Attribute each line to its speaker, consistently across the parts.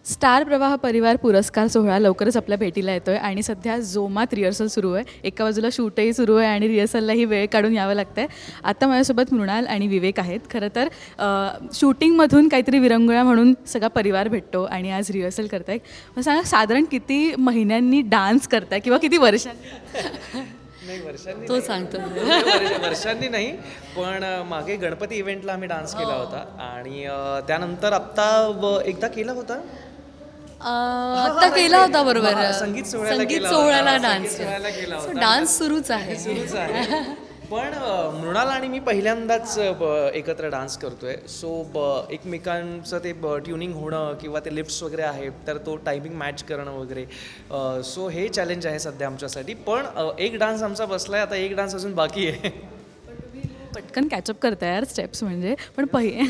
Speaker 1: Star प्रवाह परिवार पुरस्कार सोहळा लवकरच आपल्या भेटीला येतो आहे आणि सध्या जोमात रिहर्सल सुरू आहे. एका बाजूला शूटही सुरू आहे आणि रिहर्सललाही वेळ काढून यावं लागतं आहे. आता माझ्यासोबत मृणाल आणि विवेक आहेत. खरं तर शूटिंगमधून काहीतरी विरंगुळा म्हणून सगळा परिवार भेटतो आणि आज रिहर्सल करताय. मग सांगा साधारण किती महिन्यांनी डान्स करताय किंवा किती वर्षांनी?
Speaker 2: नाही वर्षांनी
Speaker 3: तो सांगतो.
Speaker 2: वर्षांनी नाही, पण मागे गणपती इव्हेंटला आम्ही डान्स केला होता आणि त्यानंतर आत्ता एकदा केला होता.
Speaker 3: आता केला होता बरोबर.
Speaker 2: संगीत सोहळ्याला
Speaker 3: संगीत
Speaker 2: केला
Speaker 3: सोहळ्याला
Speaker 2: होता.
Speaker 3: डान्स
Speaker 2: संगीत सोहळ्याला केला होता.
Speaker 3: डान्स सुरूच आहे.
Speaker 2: सुरूच आहे. पण मृणाल आणि मी पहिल्यांदाच एकत्र डान्स करतोय. सो एकमेकांचं ते ट्युनिंग होणं किंवा ते लिफ्ट्स वगैरे आहे तर तो टायमिंग मॅच करणं वगैरे, सो हे चॅलेंज आहे सध्या आमच्यासाठी. पण एक डान्स आमचा बसलाय, आता एक डान्स अजून बाकी आहे.
Speaker 1: पटकन कॅचअप करताय यार स्टेप्स म्हणजे. पण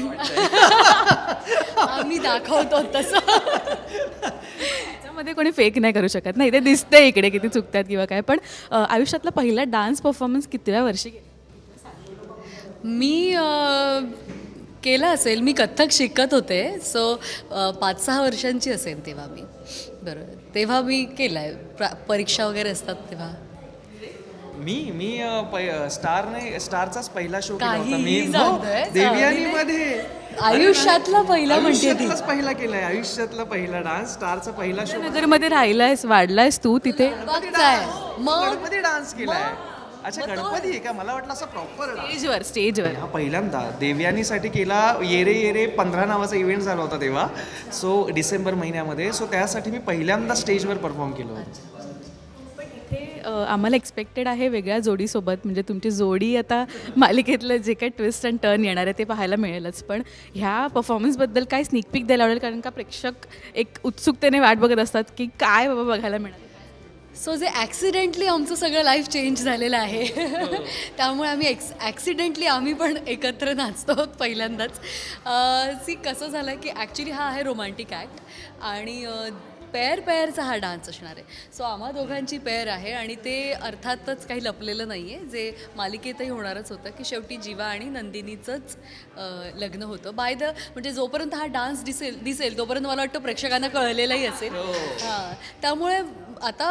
Speaker 3: आम्ही दाखवतो तसं.
Speaker 1: त्याच्यामध्ये कोणी फेक नाही करू शकत नाही. ते दिसतंय इकडे किती चुकतात किंवा काय. पण आयुष्यातला पहिला डान्स परफॉर्मन्स कितव्या वर्षी केला?
Speaker 3: मी केलं असेल. मी कथ्थक शिकत होते. सो 5-6 वर्षांची असेल तेव्हा मी. बरोबर तेव्हा मी केलं आहे. परीक्षा वगैरे असतात तेव्हा.
Speaker 2: मी स्टारचाच पहिला शो केला होता
Speaker 3: काहीही
Speaker 2: मी.
Speaker 3: सांगतोय.
Speaker 2: देवयानीमध्ये
Speaker 3: आयुष्यातला पहिला म्हणते ती.
Speaker 2: आयुष्यातलाच पहिला केलाय. आयुष्यातला पहिला डान्स, स्टारचा पहिला शो.
Speaker 1: नगरमध्ये राहिलायस वाढलायस तू तिथे.
Speaker 3: बघताय मग
Speaker 2: गणपती डान्स केलाय. अच्छा गणपती आहे का? मला वाटलं असं प्रॉपर
Speaker 1: स्टेजवर
Speaker 2: हा पहिल्यांदा देवयानीसाठी केला. येरे येरे 15 नावाचा इव्हेंट झाला होता तेव्हा. सो डिसेंबर महिन्यामध्ये. सो त्यासाठी मी पहिल्यांदा स्टेजवर परफॉर्म केलं होतं.
Speaker 1: आम्हाला एक्सपेक्टेड आहे वेगळ्या जोडीसोबत. म्हणजे तुमची जोडी आता मालिकेतलं जे काही ट्विस्ट अँड टर्न येणार आहे ते पाहायला मिळेलच. पण ह्या परफॉर्मन्सबद्दल काय स्निक पीक द्यायला आवडेल? कारण का प्रेक्षक एक उत्सुकतेने वाट बघत असतात की काय बाबा बघायला मिळालं.
Speaker 3: सो जे ॲक्सिडेंटली आमचं सगळं लाईफ चेंज झालेलं आहे. त्यामुळे आम्ही ॲक्सिडेंटली आम्ही पण एकत्र नाचतो आहोत पहिल्यांदाच. कसं झालं की ॲक्च्युली हा आहे रोमॅन्टिक ॲक्ट आणि पेअरचा हा डान्स असणार आहे. सो आम्हा दोघांची पेअर आहे आणि ते अर्थातच काही लपलेलं नाही आहे. जे मालिकेतही होणारच होतं की शेवटी जीवा आणि नंदिनीचंच लग्न होतं. म्हणजे जोपर्यंत हा डान्स दिसेल तोपर्यंत मला वाटतं प्रेक्षकांना कळलेलंही असेल. हां त्यामुळे आता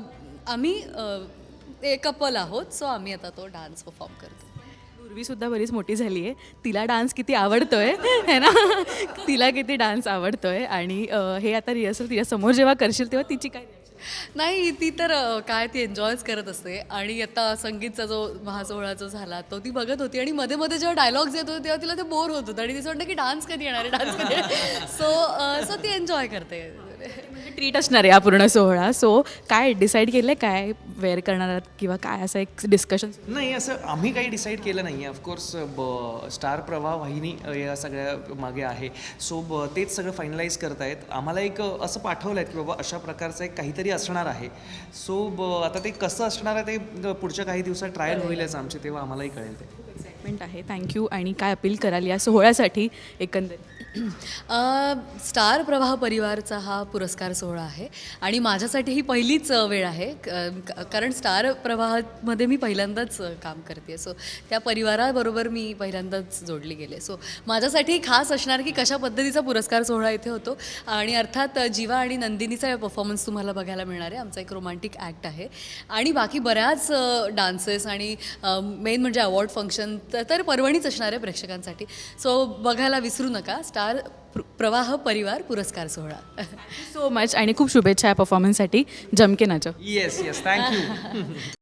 Speaker 3: आम्ही कपल आहोत. सो आम्ही आता तो डान्स परफॉर्म करतो.
Speaker 1: पूर्वीसुद्धा बरीच मोठी झाली आहे. तिला डान्स किती आवडतोय है ना. तिला किती डान्स आवडतोय आणि हे आता रिहर्सल तिच्या समोर जेव्हा करशील तेव्हा तिची काय
Speaker 3: नाही ती तर काय ती एन्जॉयच करत असते. आणि आता संगीतचा जो महासोहळा जो झाला तो ती बघत होती आणि मध्ये मध्ये जेव्हा डायलॉग्स येत होते तेव्हा तिला ते बोर होत होतं आणि तिचं वाटतं की डान्स कधी येणार आहे, डान्स कधी येणार. सो ती एन्जॉय करते.
Speaker 1: म्हणजे ट्रीट असणार आहे हा पूर्ण सोहळा. सो काय डिसाईड केलं आहे काय वेअर करणार आहात किंवा काय असं एक डिस्कशन?
Speaker 2: नाही असं आम्ही काही डिसाईड केलं नाही आहे. ऑफकोर्स स्टार प्रवाह वाहिनी या सगळ्या मागे आहे. सो तेच सगळं फायनलाईज करतायत. आम्हाला एक असं पाठवलं आहे की बाबा अशा प्रकारचं एक काहीतरी असणार आहे. सो आता ते कसं असणार आहे ते पुढच्या काही दिवसात ट्रायल होईलच आमची, तेव्हा आम्हालाही कळेल ते.
Speaker 1: एक्साइटमेंट आहे. थँक्यू. आणि काय अपील कराल या सोहळ्यासाठी एकंदरीत?
Speaker 3: स्टार प्रवाह परिवारचा हा पुरस्कार सोहळा आहे आणि माझ्यासाठी ही पहिलीच वेळ आहे. कारण स्टार प्रवाहामध्ये मी पहिल्यांदाच काम करते. सो त्या परिवाराबरोबर मी पहिल्यांदाच जोडली गेले. सो माझ्यासाठी खास असणार की कशा पद्धतीचा पुरस्कार सोहळा इथे होतो. आणि अर्थात जीवा आणि नंदिनीचा परफॉर्मन्स तुम्हाला बघायला मिळणार आहे. आमचा एक रोमॅन्टिक ॲक्ट आहे आणि बाकी बऱ्याच डान्सेस आणि मेन म्हणजे अवॉर्ड फंक्शन तर पर्वणीच असणार आहे प्रेक्षकांसाठी. सो बघायला विसरू नका स्टार प्रवाह परिवार पुरस्कार सोहळा.
Speaker 1: सो मच आणि खूप शुभेच्छा या परफॉर्मन्ससाठी. जमके नाचो.
Speaker 2: Yes thank you.